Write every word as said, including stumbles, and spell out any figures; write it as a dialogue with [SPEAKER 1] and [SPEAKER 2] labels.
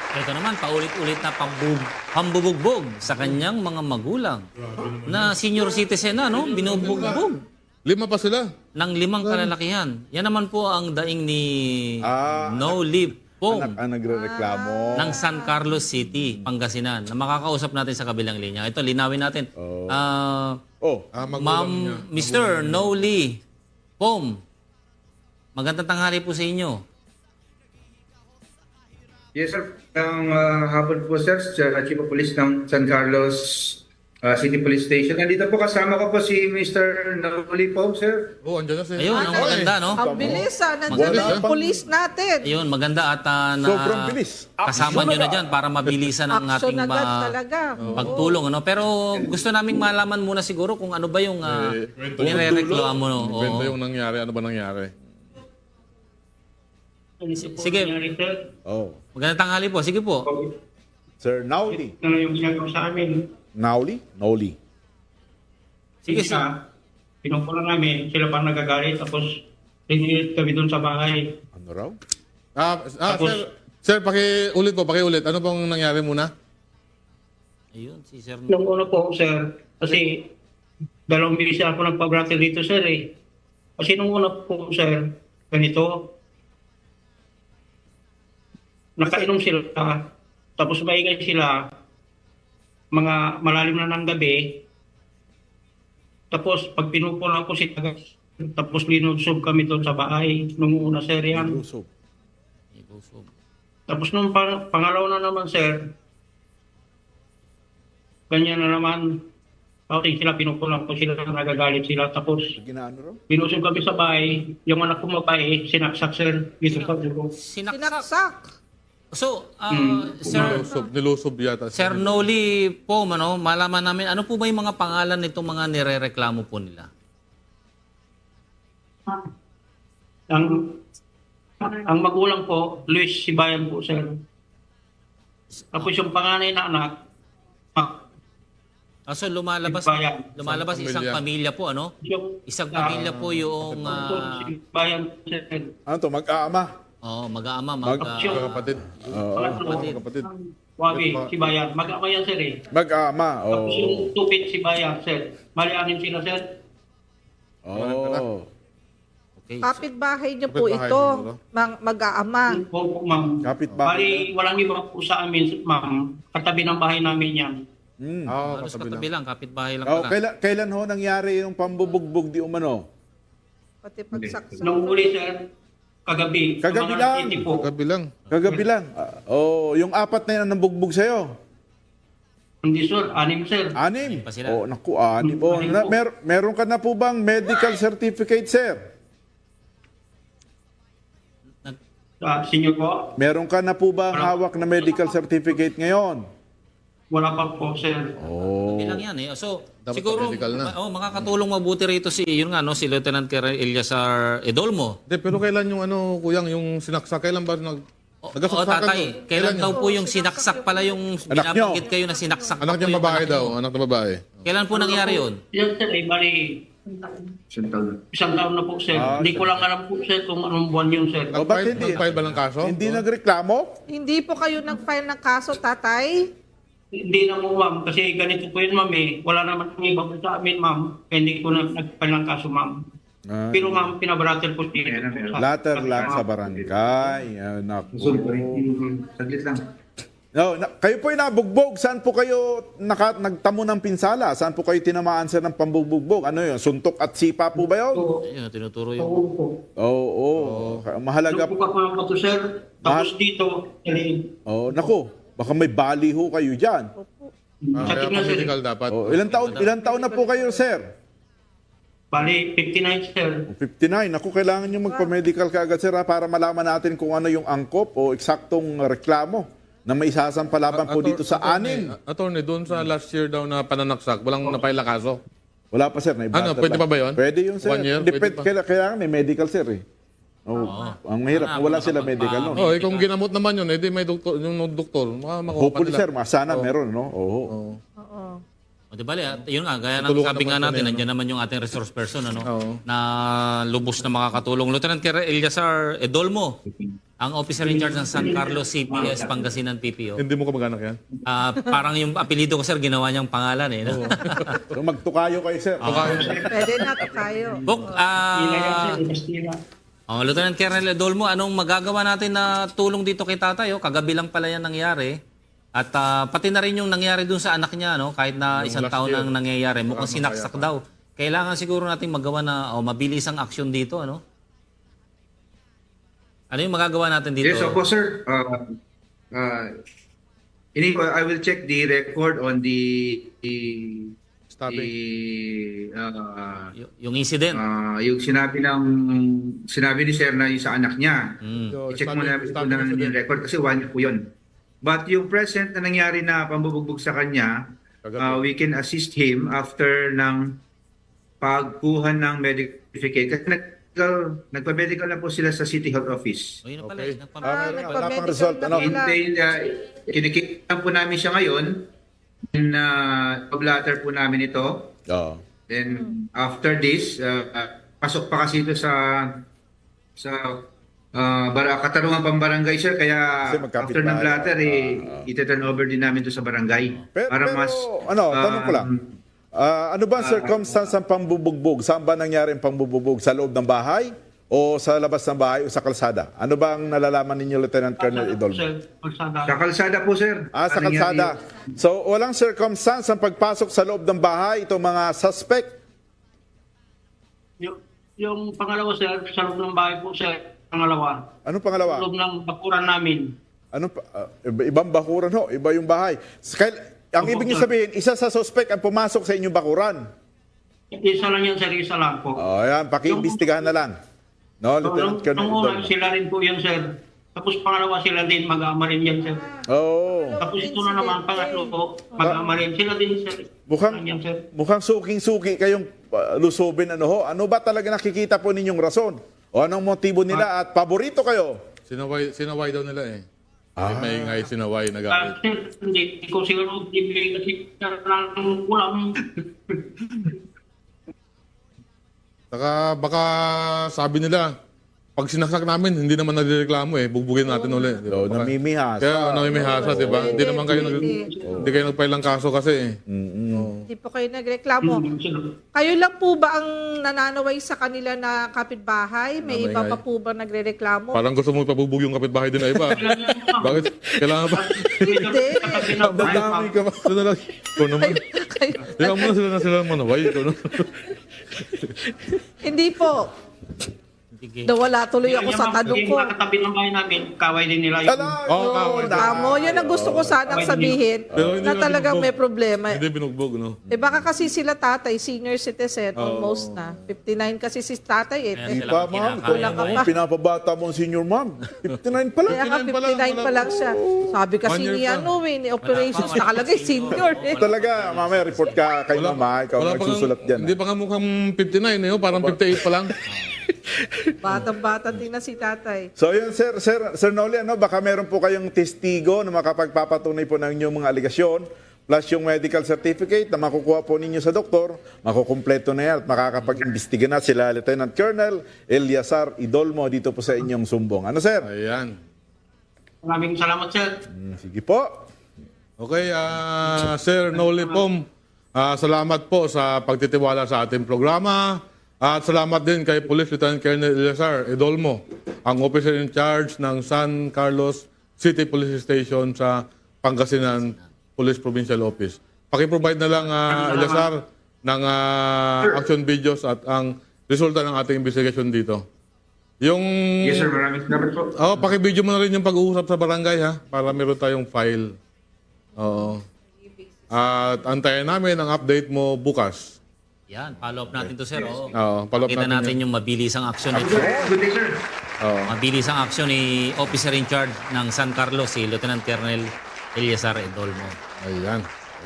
[SPEAKER 1] Ito naman, paulit-ulit na pambub pambubugbog sa kanyang mga magulang na senior citizen na, no? Binubugbog
[SPEAKER 2] Lima pa sila.
[SPEAKER 1] ng limang kalalakihan. Yan naman po ang daing ni
[SPEAKER 3] Ah,
[SPEAKER 1] No Leave Pong
[SPEAKER 3] Anak ang nagre-reklamo.
[SPEAKER 1] ng San Carlos City, Pangasinan, na makakausap natin sa kabilang linya. Ito, linawin natin.
[SPEAKER 3] Oh.
[SPEAKER 1] Ah,
[SPEAKER 3] Oh,
[SPEAKER 2] Ah, magulang niya.
[SPEAKER 1] Ma'am, mister No Lee Pom, magandang tanghali po sa inyo.
[SPEAKER 4] Yes, sir. Ang uh, hapon po, sir, sa Chief of Police ng San Carlos uh, City Police Station. Nandito po kasama ko po si mister Noli po, sir.
[SPEAKER 2] Oh, andyan na si...
[SPEAKER 1] Ayun, ang maganda, no?
[SPEAKER 5] Ang bilis ah, nandiyan
[SPEAKER 1] Maganda.
[SPEAKER 5] na yung police natin.
[SPEAKER 1] Ayun, maganda at ah, na
[SPEAKER 3] Sobrang bilis.
[SPEAKER 1] kasama nyo na dyan para mabilisan ang
[SPEAKER 5] Action
[SPEAKER 1] ating
[SPEAKER 5] agad
[SPEAKER 1] ma-
[SPEAKER 5] talaga.
[SPEAKER 1] pagtulong. Ano? Pero gusto naming malaman muna siguro kung ano ba yung uh,
[SPEAKER 2] Eh, kwento yung-
[SPEAKER 1] nirereklamo. No? Oo.
[SPEAKER 2] Kwento yung nangyari. Ano ba nangyari?
[SPEAKER 1] Sige,
[SPEAKER 3] Oh.
[SPEAKER 1] magandang tanghali po. Sige po.
[SPEAKER 3] Sir Nauli.
[SPEAKER 6] Ano yung ginagawa sa amin?
[SPEAKER 3] Nauli? Nauli.
[SPEAKER 1] Sige, sige.
[SPEAKER 6] Sila, pinupulan namin, sila pa nagagalit, tapos rinilip kami doon sa bahay.
[SPEAKER 3] Ano raw?
[SPEAKER 2] Ah, ah
[SPEAKER 6] Tapos-
[SPEAKER 2] sir, sir, pakiulit po, pakiulit. Ano pong nangyari muna?
[SPEAKER 1] Ayun, si Sir
[SPEAKER 6] Nung una po, sir, kasi dalawang bilis ako nagpa-brattle dito, sir, eh. Kasi nung una po, sir, ganito, nakainom sila, tapos maingay sila, mga malalim na ng gabi, tapos pag pinupulang ko si Tagas, tapos linusog kami doon sa bahay, nung una, sir, yan.
[SPEAKER 3] Lusob.
[SPEAKER 1] Ibusob.
[SPEAKER 6] Tapos nung pang- pangalawa na naman, sir, ganyan na naman, okay, sila pinupulang ko sila, nagagalit sila, tapos
[SPEAKER 3] Ginaano raw?
[SPEAKER 6] binusog kami sa bahay, yung anak ko mabae, sinaksak, sir, dito sa dugo.
[SPEAKER 1] Sinaksak.
[SPEAKER 5] Sinaksak.
[SPEAKER 1] So, ah,
[SPEAKER 6] Hmm.
[SPEAKER 1] Sir,
[SPEAKER 2] Nilusob, nilusob yata.
[SPEAKER 1] Sir Noli po, ano, malaman namin, ano po ba yung mga pangalan nitong mga nirereklamo po nila?
[SPEAKER 6] Ang ang magulang po, Luis Sibayan po, sir. Tapos yung panganay na anak, ah,
[SPEAKER 1] Ah, so lumalabas,
[SPEAKER 6] Sibayan.
[SPEAKER 1] lumalabas
[SPEAKER 2] Isang
[SPEAKER 1] isang
[SPEAKER 2] pamilya.
[SPEAKER 1] pamilya po, ano?
[SPEAKER 6] yung
[SPEAKER 1] Isang pamilya po yung, ah,
[SPEAKER 6] Sibayan, sir.
[SPEAKER 3] Ano to? Mag-aama.
[SPEAKER 1] oh, mag-aama, mag,
[SPEAKER 3] Mag-
[SPEAKER 1] ah,
[SPEAKER 2] Magkakapatid.
[SPEAKER 3] Oo.
[SPEAKER 6] Pangatlo,
[SPEAKER 2] Magkakapatid.
[SPEAKER 6] Wawi, Sibayan. Mag-ama yan, sir, eh.
[SPEAKER 3] Mag-aama.
[SPEAKER 6] Tapos
[SPEAKER 3] Oo.
[SPEAKER 6] yung tupit si Bayan, sir. Malianin sila, sir.
[SPEAKER 3] Oh.
[SPEAKER 1] okay.
[SPEAKER 5] Kapitbahay niyo po
[SPEAKER 2] Kapitbahay
[SPEAKER 5] ito,
[SPEAKER 2] niyo, no?
[SPEAKER 5] mang, mag-aama.
[SPEAKER 6] Opo, ma'am.
[SPEAKER 3] Kapitbahay.
[SPEAKER 6] Bali, walang iba po sa amin, ma'am. Katabi ng bahay namin yan.
[SPEAKER 3] Hmm.
[SPEAKER 2] Ah,
[SPEAKER 1] Halos
[SPEAKER 2] katabi
[SPEAKER 1] katabi
[SPEAKER 2] lang.
[SPEAKER 1] lang, kapitbahay lang
[SPEAKER 3] Oh,
[SPEAKER 1] pala.
[SPEAKER 3] kailan, kailan ho nangyari yung pambubugbog di umano?
[SPEAKER 5] Pati pagsaksak.
[SPEAKER 6] Nung uli, sir, kagabi.
[SPEAKER 3] Kagabi
[SPEAKER 6] mga
[SPEAKER 3] lang.
[SPEAKER 6] alas siyete po.
[SPEAKER 2] Kagabi lang.
[SPEAKER 3] Kagabi lang. Ah, oh, yung apat na yan ang nambugbog sa'yo.
[SPEAKER 6] Hindi, sir. Anim, sir.
[SPEAKER 3] Anim.
[SPEAKER 1] pa sila.
[SPEAKER 3] Oh, naku, anim. Oh, na, mer meron ka na po bang medical certificate, sir?
[SPEAKER 1] Nag-
[SPEAKER 6] Ah, senior po.
[SPEAKER 3] Meron ka na po bang hawak na medical certificate ngayon?
[SPEAKER 6] Wala pa po, sir.
[SPEAKER 3] Oh.
[SPEAKER 1] Hindi lang yan eh. So,
[SPEAKER 2] Dapat
[SPEAKER 1] siguro,
[SPEAKER 2] medical na.
[SPEAKER 1] ma- oh, makakatulong mabuti rito si, yun nga, no, si Lieutenant Colonel Eliazar Edolmo.
[SPEAKER 2] Hindi, pero kailan yung ano, kuyang, yung sinaksak? Kailan ba nag...
[SPEAKER 1] O, o
[SPEAKER 2] Nagasaksakan
[SPEAKER 1] tatay,
[SPEAKER 2] yun?
[SPEAKER 1] kailan daw
[SPEAKER 2] yun?
[SPEAKER 1] po yung sinaksak pala yung
[SPEAKER 3] Anak
[SPEAKER 1] binabanggit kayo na sinaksak
[SPEAKER 2] Anak
[SPEAKER 1] po
[SPEAKER 2] niyang
[SPEAKER 1] yung
[SPEAKER 2] babae
[SPEAKER 1] anak
[SPEAKER 2] daw.
[SPEAKER 1] niyo?
[SPEAKER 2] Anak na babae.
[SPEAKER 1] Kailan po nangyari yun?
[SPEAKER 6] Yan, sir, eh, bali, isang taon na po, sir.
[SPEAKER 3] Ah,
[SPEAKER 6] Hindi ko lang alam po, sir, kung anong buwan yun, sir.
[SPEAKER 3] Oh, ba't
[SPEAKER 2] Nag-file
[SPEAKER 3] hindi?
[SPEAKER 2] nag-file ba ng kaso?
[SPEAKER 3] Hindi nagreklamo?
[SPEAKER 5] Hindi po kayo nag-file ng kaso, tatay?
[SPEAKER 6] Hindi na mo, ma'am. Kasi ganito po yun, ma'am, eh. Wala naman ang iba po sa amin, ma'am. Kaya hindi ko na nagpal ng kaso, ma'am.
[SPEAKER 3] Ah,
[SPEAKER 6] Pero, ma'am, pinabratel po dito.
[SPEAKER 3] later lang sa barangay. Ah, naku.
[SPEAKER 4] Saglit lang.
[SPEAKER 3] No, na, kayo po yung nabugbog. Saan po kayo naka, nagtamo ng pinsala? Saan po kayo tinamaan sir ng pambubugbog? Ano yun? Suntok at sipa po ba yun?
[SPEAKER 6] So,
[SPEAKER 1] Ayun, tinuturo yung...
[SPEAKER 6] oo po.
[SPEAKER 3] Oo, oo. Mahalaga po.
[SPEAKER 6] Nagbuka po ng bato, sir. Tapos dito, eh,
[SPEAKER 3] Oh, naku. Baka may baliho kayo dyan.
[SPEAKER 2] Ah, kaya
[SPEAKER 6] Sakit na, sir.
[SPEAKER 2] medical dapat.
[SPEAKER 3] Oh, ilang taon, ilang taon na po kayo, sir?
[SPEAKER 6] bali, fifty-nine, sir.
[SPEAKER 3] fifty-nine. Naku, kailangan nyo magpa-medical kaagad, sir, ha, para malaman natin kung ano yung angkop o eksaktong reklamo na may isasampalaban po
[SPEAKER 2] Ator-
[SPEAKER 3] dito sa
[SPEAKER 2] attorney,
[SPEAKER 3] anin.
[SPEAKER 2] Attorney, doon sa last year daw na pananaksak, walang napail na kaso.
[SPEAKER 3] Wala pa, sir. Na
[SPEAKER 2] Ano, pwede pa ba yun?
[SPEAKER 3] Pwede yun, sir.
[SPEAKER 2] One year?
[SPEAKER 3] Depend,
[SPEAKER 2] Pwede pa?
[SPEAKER 3] kailangan, kailangan may medical, sir, eh. Oh, ang mahirap.
[SPEAKER 1] Sana,
[SPEAKER 3] Wala
[SPEAKER 1] makapagpa-
[SPEAKER 3] sila medical, no?
[SPEAKER 2] Oh, eh, kung ginamot naman yun, edi may doktor, yung doktor, maka- makuha pa
[SPEAKER 3] Hopefully,
[SPEAKER 2] nila.
[SPEAKER 3] sir, mas sana meron, no? Oo.
[SPEAKER 2] Oo.
[SPEAKER 5] Oo.
[SPEAKER 1] O, di bali, at yun nga, gaya ng
[SPEAKER 2] Tutulungan
[SPEAKER 1] sabi nga
[SPEAKER 2] naman
[SPEAKER 1] natin,
[SPEAKER 2] sila,
[SPEAKER 1] nandiyan naman yung ating resource person, ano,
[SPEAKER 2] Oo.
[SPEAKER 1] na lubos na makakatulong. Lieutenant Colonel Eliazar Edolmo, Ang officer in charge ng San Carlos C P S Pangasinan P P O.
[SPEAKER 2] Hindi mo kamag-anak yan?
[SPEAKER 1] Ah, parang yung apelido ko, sir, ginawa niyang pangalan eh. No?
[SPEAKER 3] So magtukayo kayo, sir.
[SPEAKER 5] Pwede na to kayo.
[SPEAKER 1] Bok,
[SPEAKER 6] Sila yan,
[SPEAKER 1] ah...
[SPEAKER 6] sir. Bastila.
[SPEAKER 1] Oh, Lieutenant Colonel Edolmo, anong magagawa natin na tulong dito kay tatay? Oh? Kagabi lang pala yan nangyari. At ah, pati na rin yung nangyari dun sa anak niya, no? Kahit na
[SPEAKER 2] Yung
[SPEAKER 1] isang
[SPEAKER 2] last
[SPEAKER 1] taon
[SPEAKER 2] year.
[SPEAKER 1] nang nangyayari. Mukhang
[SPEAKER 2] Maraming
[SPEAKER 1] sinaksak
[SPEAKER 2] kaya.
[SPEAKER 1] daw. Kailangan siguro natin magawa na oh, mabilis ang aksyon dito, ano? Ano yung magagawa natin dito?
[SPEAKER 4] Yes, opo, sir. Uh, uh, ini I will check the record on the the,
[SPEAKER 2] Stabbing.
[SPEAKER 4] the uh,
[SPEAKER 1] Y- yung incident.
[SPEAKER 4] uh, yung sinabi ng sinabi ni sir na yung sa anak niya.
[SPEAKER 1] Mm.
[SPEAKER 2] So,
[SPEAKER 4] I-check
[SPEAKER 2] stabbing-
[SPEAKER 4] mo na po
[SPEAKER 2] stabbing
[SPEAKER 4] na
[SPEAKER 2] incident.
[SPEAKER 4] yung record kasi one year po yun. But yung present na nangyari na pambubugbog sa kanya,
[SPEAKER 2] Kagabi.
[SPEAKER 4] uh, we can assist him after ng pagkuha ng medical certificate. Kasi nag, nagpa-medical na po sila sa City Health Office.
[SPEAKER 1] O, yun na pala.
[SPEAKER 2] Okay.
[SPEAKER 1] eh, nagpam-
[SPEAKER 3] Ah,
[SPEAKER 5] Ah,
[SPEAKER 3] meron na.
[SPEAKER 5] nagpa-medical
[SPEAKER 3] Wala pang result,
[SPEAKER 5] na
[SPEAKER 3] ano?
[SPEAKER 5] pala.
[SPEAKER 4] Hintay, uh, kinikita po namin siya ngayon. And uh, pablatter po namin ito.
[SPEAKER 3] Oo.
[SPEAKER 4] Then after this, uh, uh, pasok pa kasi ito sa sa uh, bara, katarungan pambarangay, sir. Kaya
[SPEAKER 3] Kasi magkapit
[SPEAKER 4] after ng
[SPEAKER 3] bahay.
[SPEAKER 4] blatter, eh,
[SPEAKER 3] Ah, ah.
[SPEAKER 4] iti-turn over din namin ito sa barangay.
[SPEAKER 3] Pero,
[SPEAKER 4] para
[SPEAKER 3] pero,
[SPEAKER 4] mas...
[SPEAKER 3] ano, tanong ko lang.
[SPEAKER 4] um,
[SPEAKER 3] Ah, ano ba ang circumstance ng pambubugbog? Saan ba nangyari ang pambubugbog? Sa loob ng bahay? O sa labas ng bahay? O sa kalsada? Ano ba ang nalalaman ninyo, Lieutenant Colonel Idolmo?
[SPEAKER 6] Sir, kalsada.
[SPEAKER 4] Sa kalsada po, sir.
[SPEAKER 3] Ah, sa
[SPEAKER 4] Ano nangyari
[SPEAKER 3] kalsada. So, walang circumstance ang pagpasok sa loob ng bahay itong mga suspect?
[SPEAKER 6] Yung, yung pangalawa, sir, sa loob ng bahay po, sir, pangalawa.
[SPEAKER 3] Ano
[SPEAKER 6] Sa
[SPEAKER 3] pangalawa?
[SPEAKER 6] loob ng bakuran namin.
[SPEAKER 3] Ano pa- ah, iba- ibang bakuran ho, iba yung bahay. Kail- ang
[SPEAKER 6] Opo,
[SPEAKER 3] ibig niyo
[SPEAKER 6] sir.
[SPEAKER 3] sabihin, isa sa suspect ang pumasok sa inyong bakuran.
[SPEAKER 6] Isa lang yan, sir, isa lang po.
[SPEAKER 3] O, yan, pakiimbestigahan na lang. No,
[SPEAKER 6] So,
[SPEAKER 3] Lieutenant
[SPEAKER 6] nung,
[SPEAKER 3] Colonel
[SPEAKER 6] nung una,
[SPEAKER 3] Idolmo.
[SPEAKER 6] sila rin po yan, sir. Tapos pangalawa sila din, mag-aama rin yan, sir.
[SPEAKER 3] Oo.
[SPEAKER 6] Tapos ito na naman, pangatlo po, mag-aama rin. Sila din, sir.
[SPEAKER 3] Mukhang,
[SPEAKER 6] Yan, sir.
[SPEAKER 3] mukhang suking-suki kayong uh, lusubin. Ano ho? Ano ba talaga nakikita po ninyong rason? O anong motibo nila at paborito kayo?
[SPEAKER 2] Sinaway, sinaway daw nila eh. Ah. May ingay, sinaway,
[SPEAKER 6] Ah,
[SPEAKER 2] nagalit.
[SPEAKER 6] sir, hindi ko siguro bibigay kasi ng ulam.
[SPEAKER 2] Saka baka sabi nila, pag sinaksak namin, hindi naman nagreklamo eh. Bugbugin natin ulit. Di ba?
[SPEAKER 3] So,
[SPEAKER 2] Baka-
[SPEAKER 3] namimihasa.
[SPEAKER 2] Kaya namimihasa, di ba? Hindi naman kayo nag...
[SPEAKER 5] Hindi.
[SPEAKER 2] Hindi kayo nagfile ng kaso kasi eh.
[SPEAKER 5] Hindi po kayo nagreklamo.
[SPEAKER 6] Sir,
[SPEAKER 5] Kayo lang po ba ang nananaway sa kanila na kapitbahay? May
[SPEAKER 3] Ano,
[SPEAKER 5] iba
[SPEAKER 3] ingay?
[SPEAKER 5] pa po ba nagrereklamo?
[SPEAKER 2] Parang gusto mo ipabugbog yung kapitbahay din na iba. Bakit? Kailangan ba?
[SPEAKER 5] Hindi.
[SPEAKER 3] Dadami ka ba?
[SPEAKER 2] Ito na lang. Ikaw naman.
[SPEAKER 5] Kayo,
[SPEAKER 2] Ikaw muna sila na sila manaway. Ikaw naman.
[SPEAKER 5] hindi po.
[SPEAKER 1] Sige.
[SPEAKER 5] Nawala tuloy ako sa tanong ko.
[SPEAKER 6] Yung mga katabi ng bahay namin, kaway din nila yung...
[SPEAKER 3] Ala,
[SPEAKER 2] Oo,
[SPEAKER 3] no,
[SPEAKER 2] kaway.
[SPEAKER 3] na-
[SPEAKER 5] Tamo, yun ang gusto ko sanang sabihin
[SPEAKER 2] Pero hindi
[SPEAKER 5] na
[SPEAKER 2] naman
[SPEAKER 5] talagang
[SPEAKER 2] binugbog.
[SPEAKER 5] may problema.
[SPEAKER 2] Hindi binugbog, no?
[SPEAKER 5] Eh baka kasi sila tatay, senior citizen, almost na. fifty-nine kasi si tatay eh.
[SPEAKER 1] Kaya
[SPEAKER 5] Eh,
[SPEAKER 1] sila
[SPEAKER 3] Pa,
[SPEAKER 1] pag
[SPEAKER 3] ma'am,
[SPEAKER 1] kinakain
[SPEAKER 5] Kulang ka
[SPEAKER 3] kung
[SPEAKER 5] pa.
[SPEAKER 3] pinapabata mo ang senior ma'am. fifty-nine pa lang.
[SPEAKER 5] Kaya nga
[SPEAKER 2] fifty-nine pa lang,
[SPEAKER 5] fifty-nine pa
[SPEAKER 2] wala
[SPEAKER 5] lang siya. Sabi kasi
[SPEAKER 2] One year
[SPEAKER 5] ni
[SPEAKER 2] pa.
[SPEAKER 5] ano eh, ni operations, nakalagay senior eh.
[SPEAKER 3] Talaga, mamaya report ka kay mama, ikaw
[SPEAKER 2] wala pa
[SPEAKER 3] magsusulat
[SPEAKER 2] nga-
[SPEAKER 3] dyan.
[SPEAKER 2] Hindi pa nga mukhang fifty-nine eh. oh. Parang fifty-eight pa lang.
[SPEAKER 5] Batang-bata din na si tatay.
[SPEAKER 3] So yun, sir, sir, sir Noli, ano, baka meron po kayong testigo na makapagpapatunay po ng inyong mga aligasyon, plus yung medical certificate na makukuha po ninyo sa doktor, makukumpleto na yan at makakapag-imbestiga na sila Lieutenant Colonel Eliazar Idolmo dito po sa inyong sumbong. Ano, sir?
[SPEAKER 2] Ayan.
[SPEAKER 6] Maraming salamat, sir.
[SPEAKER 3] Hmm, sige po.
[SPEAKER 2] Okay, ah Sir Noli Pom, ah, salamat po sa pagtitiwala sa ating programa. At salamat din kay Police Lieutenant Colonel Eliazar Idolmo, ang officer in charge ng San Carlos City Police Station sa Pangasinan Police Provincial Office. Paki-provide na lang, ah, Eliazar, ng ah, action videos at ang resulta ng ating investigation dito. Yung...
[SPEAKER 4] Yes, sir. Maraming salamat po.
[SPEAKER 2] Oh, paki-video mo na rin yung pag-uusap sa barangay ha, para meron tayong file. Oo. At antayin namin ang update mo bukas.
[SPEAKER 1] Yan, follow up natin to, sir. Oo.
[SPEAKER 2] Oo, follow up
[SPEAKER 1] Kita
[SPEAKER 2] natin
[SPEAKER 1] natin yung mabilis ang aksyon nito.
[SPEAKER 4] Good day, sir.
[SPEAKER 2] Oo.
[SPEAKER 1] Mabilis ang aksyon ni officer in charge ng San Carlos, si Lieutenant Colonel Eliazar Edolmo.
[SPEAKER 2] Ayan.